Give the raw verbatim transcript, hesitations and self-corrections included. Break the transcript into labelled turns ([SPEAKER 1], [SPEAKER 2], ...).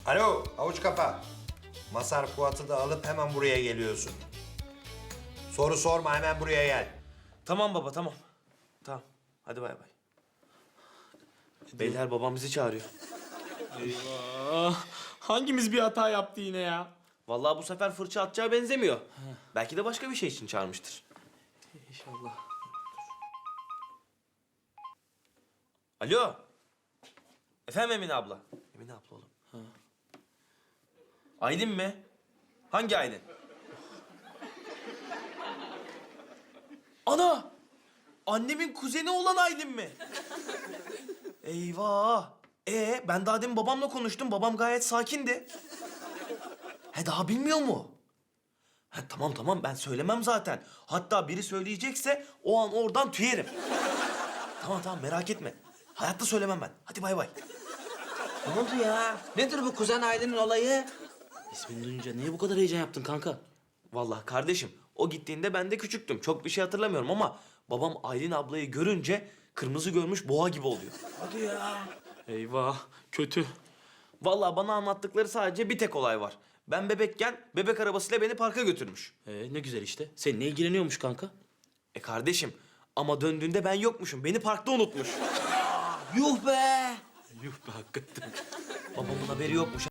[SPEAKER 1] Alo, avuç kafa. Masar Fuat'ı da alıp hemen buraya geliyorsun. Soru sorma, hemen buraya gel.
[SPEAKER 2] Tamam baba, tamam. Tamam. Hadi bay bay. Beyler babam bizi çağırıyor.
[SPEAKER 3] Eyvah. Hangimiz bir hata yaptı yine ya?
[SPEAKER 2] Vallahi bu sefer fırça atacağı benzemiyor. Belki de başka bir şey için çağırmıştır.
[SPEAKER 3] İnşallah.
[SPEAKER 2] Alo. Efendim Emine abla. Emine abla oğlum. Ha. Aylin mi? Hangi Aylin? Ana! Annemin kuzeni olan Aylin mi? Eyvah! Ee, ben daha demin babamla konuştum. Babam gayet sakindi. He, daha bilmiyor mu? Ha, tamam tamam, ben söylemem zaten. Hatta biri söyleyecekse o an oradan tüyerim. Tamam tamam, merak etme. Hayatta söylemem ben. Hadi bay bay.
[SPEAKER 4] Ne oldu ya? Nedir bu kuzen Aylin'in olayı?
[SPEAKER 3] İsmini duyunca niye bu kadar heyecan yaptın kanka?
[SPEAKER 2] Vallahi kardeşim, o gittiğinde ben de küçüktüm. Çok bir şey hatırlamıyorum ama babam Aylin ablayı görünce kırmızı görmüş boğa gibi oluyor.
[SPEAKER 4] Hadi ya.
[SPEAKER 3] Eyvah, kötü.
[SPEAKER 2] Vallahi bana anlattıkları sadece bir tek olay var. Ben bebekken bebek arabasıyla beni parka götürmüş.
[SPEAKER 3] Ee, ne güzel işte. Seninle ilgileniyormuş kanka.
[SPEAKER 2] E kardeşim, ama döndüğünde ben yokmuşum. Beni parkta unutmuş.
[SPEAKER 4] Yuh be.
[SPEAKER 3] Yuh be hakikaten.
[SPEAKER 2] Babamın haberi yokmuş.